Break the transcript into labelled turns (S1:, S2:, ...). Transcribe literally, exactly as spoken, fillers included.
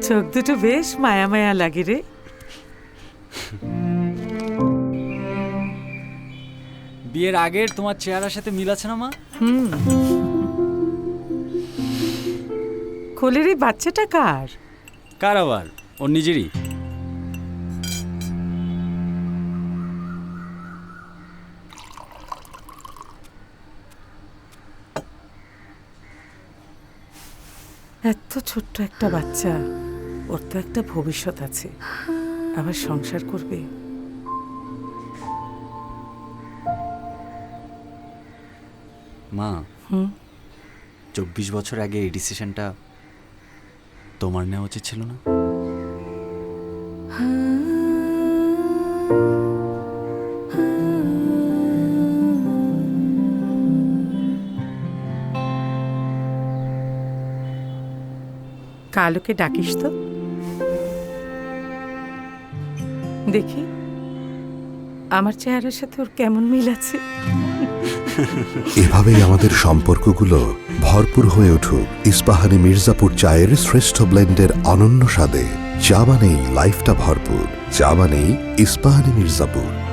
S1: চোখ দুটো বেশ মায়া মায়া লাগে রে।
S2: বিয়ের আগের তোমার চেহারার সাথে মিল আছে না মা?
S1: হুম, কোলের এই বাচ্চাটা কার?
S2: কার আবার? ওর নিজেরই।
S1: এত ছোট্ট একটা বাচ্চা, ওর তো একটা ভবিষ্যৎ আছে, আবার সংসার করবে।
S2: মা,
S1: হুম,
S2: চব্বিশ বছর আগে এই ডিসিশনটা তোমার নেওয়া উচিত ছিল না?
S1: কালোকে ডাকিস তো দেখি আমার চেহারার সাথে ওর কেমন মিল আছে।
S3: এভাবেই আমাদের সম্পর্কগুলো ভরপুর হয়ে উঠুক ইস্পাহানি মির্জাপুর চায়ের শ্রেষ্ঠ ব্লেন্ডের অনন্য স্বাদে। চা মানেই লাইফটা ভরপুর, চা মানেই ইস্পাহানি মির্জাপুর।